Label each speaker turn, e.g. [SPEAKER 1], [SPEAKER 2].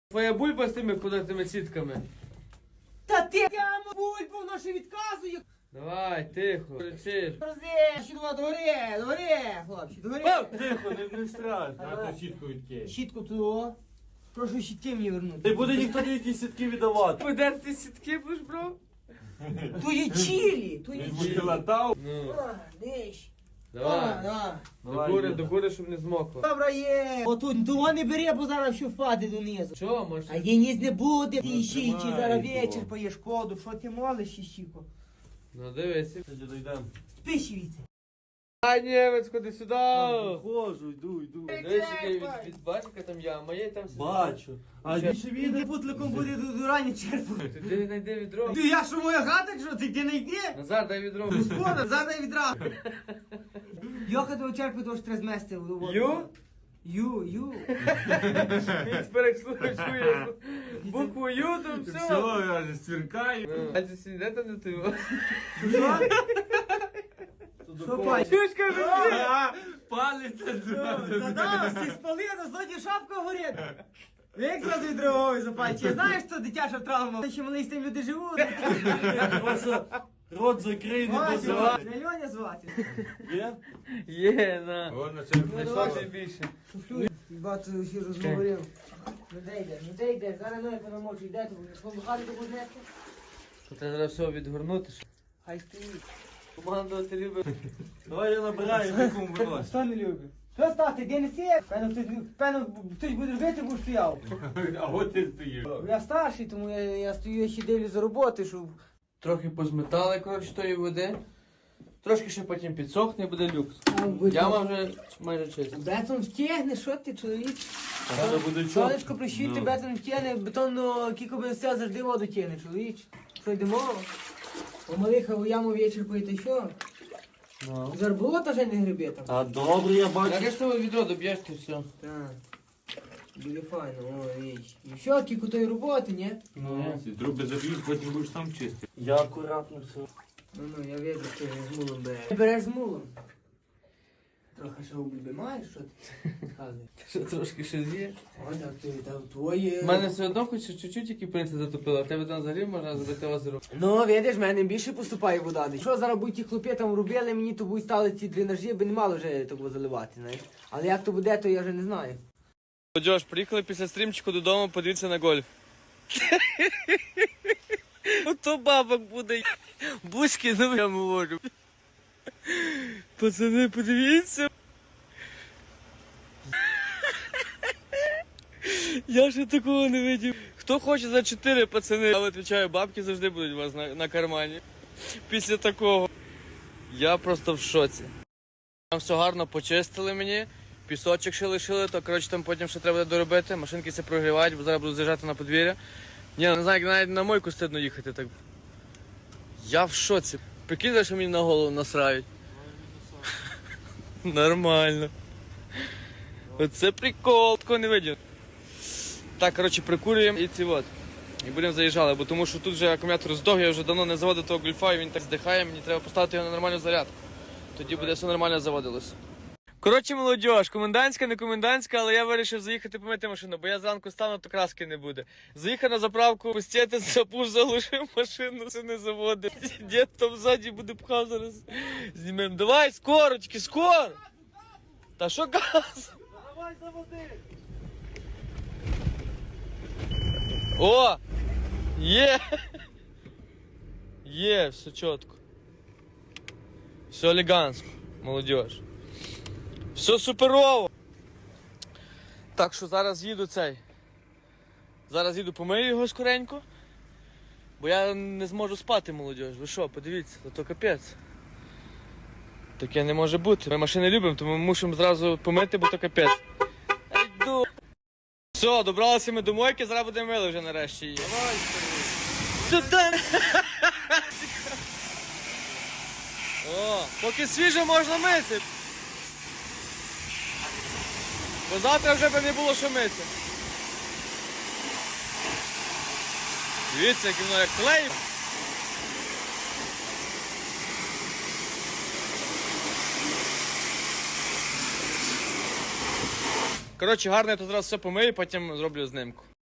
[SPEAKER 1] Твоя бульба з тими кудатими сітками.
[SPEAKER 2] Та ти прямо бульбу, воно ще відказує.
[SPEAKER 1] Давай, тихо, кричиш.
[SPEAKER 2] Розі, догори, хлопці, догори.
[SPEAKER 3] Тихо, не страшно. А то щітку відкинь.
[SPEAKER 2] Щітку ту. Прошу щітки мені вернути.
[SPEAKER 3] Не буде ніхто ніякі сітки віддавати.
[SPEAKER 1] Подерти сітки будеш, бро?
[SPEAKER 2] То є чилі, то є
[SPEAKER 3] Він
[SPEAKER 2] чилі.
[SPEAKER 3] буде латав.
[SPEAKER 1] Ну,
[SPEAKER 2] Диш.
[SPEAKER 1] давай. До кури, щоб не змокло.
[SPEAKER 2] Добре є. Отут, того не бери, бо зараз що впаде донизу.
[SPEAKER 1] Що, може?
[SPEAKER 2] А є ніс не буде. Ти щічі,
[SPEAKER 3] тримай
[SPEAKER 2] зараз
[SPEAKER 3] його.
[SPEAKER 2] вечір поє шкоду. Що ти молиш, щіко?
[SPEAKER 1] Ну, дивися.
[SPEAKER 3] Дійдемо.
[SPEAKER 2] Спишівіться.
[SPEAKER 1] А, німець, ходи сюди.
[SPEAKER 3] Ходжу, йду.
[SPEAKER 1] Дивись, який від бачика там яма є, там все.
[SPEAKER 3] Бачу. А
[SPEAKER 1] Ще-
[SPEAKER 3] більше
[SPEAKER 2] Він
[SPEAKER 3] віде.
[SPEAKER 2] путликом буде до рані черпати.
[SPEAKER 1] Ти знайди відро.
[SPEAKER 2] Ти я що моя хата, що ти не йди?
[SPEAKER 1] Назар, дай відро.
[SPEAKER 2] Господа, задай відра. Йоха того черпи, того ж треба змести в воду. Ю.
[SPEAKER 1] Він перекслушує. Букву Ю, там все.
[SPEAKER 3] я ж сверкаю.
[SPEAKER 1] А це сніде там не ти?
[SPEAKER 2] Що? Що пані?
[SPEAKER 1] Чуєш, кажу,
[SPEAKER 3] Палець.
[SPEAKER 2] Задав, ти спалив, злодій шапка горить. Як зразу відровою запальче. Знаєш, що дитяча травма? Ще малий з тим люди живуть.
[SPEAKER 3] Просто рот закрий, не
[SPEAKER 2] Вася,
[SPEAKER 3] позивай.
[SPEAKER 2] не Льоня звати.
[SPEAKER 3] Є?
[SPEAKER 1] Є, на.
[SPEAKER 3] Вона
[SPEAKER 1] Знайшов ти більше.
[SPEAKER 2] Шуфлюй. Бато ще розговорив. Ну де йдеш? Зараз ноги понамочу. Йде тобі. Свою хату будеш нести?
[SPEAKER 1] То треба зараз все відгорнути.
[SPEAKER 2] Хай стоїть.
[SPEAKER 1] Командувати любить.
[SPEAKER 3] Давай я набираю, якому
[SPEAKER 2] А
[SPEAKER 3] виносить.
[SPEAKER 2] що не любить? Що стати, де не сіє? Певно, хтось буде робити, бо стояв.
[SPEAKER 3] А от ти стоїш.
[SPEAKER 2] Я старший, тому я стою, я ще дивлюсь за роботи, щоб...
[SPEAKER 1] Трохи позметали, коротше, тої води. Трошки ще потім підсохне і буде люкс. Яма вже майже чиста.
[SPEAKER 2] Бетон втягне, що ти, чоловік?
[SPEAKER 3] Зараз буде чого?
[SPEAKER 2] Сонечко прищуйте, бетон втягне, бетонно кілько би все завжди воду тягне, чоловік. Що йдемо? Помалиха у яму вечір поїти, що? Зарболота вже не гриби там.
[SPEAKER 3] А добре, я бачу.
[SPEAKER 1] Як ж того відро доб'єш ти все?
[SPEAKER 2] Так. Буде файно, о, віч. І все, кілько тої роботи, ні?
[SPEAKER 3] Ну, труби заб'ють, потім будеш сам чистий. Я акуратно все.
[SPEAKER 2] Ну, я вижу, що ти з мулом береш. Ти береш з мулом? Трохи ще обульби маєш, що ти? Казуй.
[SPEAKER 1] Що трошки ще з'є?
[SPEAKER 2] О, так ти там твоє...
[SPEAKER 1] У мене все одно хоч чуть-чуть які принцип затопило, а в тебе там взагалі можна забити озеро.
[SPEAKER 2] Ну, видиш, в мене більше поступає вода. Що зараз будуть ті хлопці там робили, мені то будуть стали ці дренажі, би не мало вже того заливати, знаєш. Але як то буде, то я вже не знаю.
[SPEAKER 1] Молодіж, приїхали після стрімчику додому, подивіться на гольф. Ото бабок буде. Бузьки, ну я говорю. Пацани, подивіться. Я ще такого не видів. Хто хоче за 4, пацани, я відповідаю, бабки завжди будуть у вас на кармані. Після такого. Я просто в шоці. Там все гарно почистили мені. Пісочок ще лишили, то коротше там потім ще треба буде доробити. Машинки все прогрівають, бо зараз буду заїжджати на подвір'я. Ні, не знаю, як навіть на мойку стидно їхати так. Я в шоці. Прикинь, що мені на голову насрають. Нормально. Оце прикол, такого не видів. Так, коротше, прикурюємо і ці от. І будемо заїжджати, бо тому що тут вже акумулятор здох, я вже давно не заводив того гольфа, і він так здихає, мені треба поставити його на нормальну зарядку. Тоді буде все нормально заводилось. Коротше, молодіж, комендантська, не комендантська, але я вирішив заїхати помити машину, бо я зранку стану, то краски не буде. Заїхав на заправку, пустити, запуш, заглушив машину, все не заводить. Дід там ззаді буде пхав зараз. Знімемо. Давай, скоро, тільки скоро! Та що газ?
[SPEAKER 3] Давай заводи!
[SPEAKER 1] О! Є! Є, все чітко. Все елегантно, молодіж. Все суперово. Так що зараз їду цей. Зараз їду помию його скоренько. Бо я не зможу спати, молодіж. Ви що, подивіться, то капець. Таке не може бути. Ми машини любимо, тому ми мусимо зразу помити, бо то капець. Йду. Все, добралися ми до мойки, зараз будемо мили вже нарешті її. Давай, туди. О, поки свіже можна мити. Бо завтра вже б не було що мити. Дивіться, як воно як клей. Коротше, гарно я тут зараз все помию, потім зроблю знимку.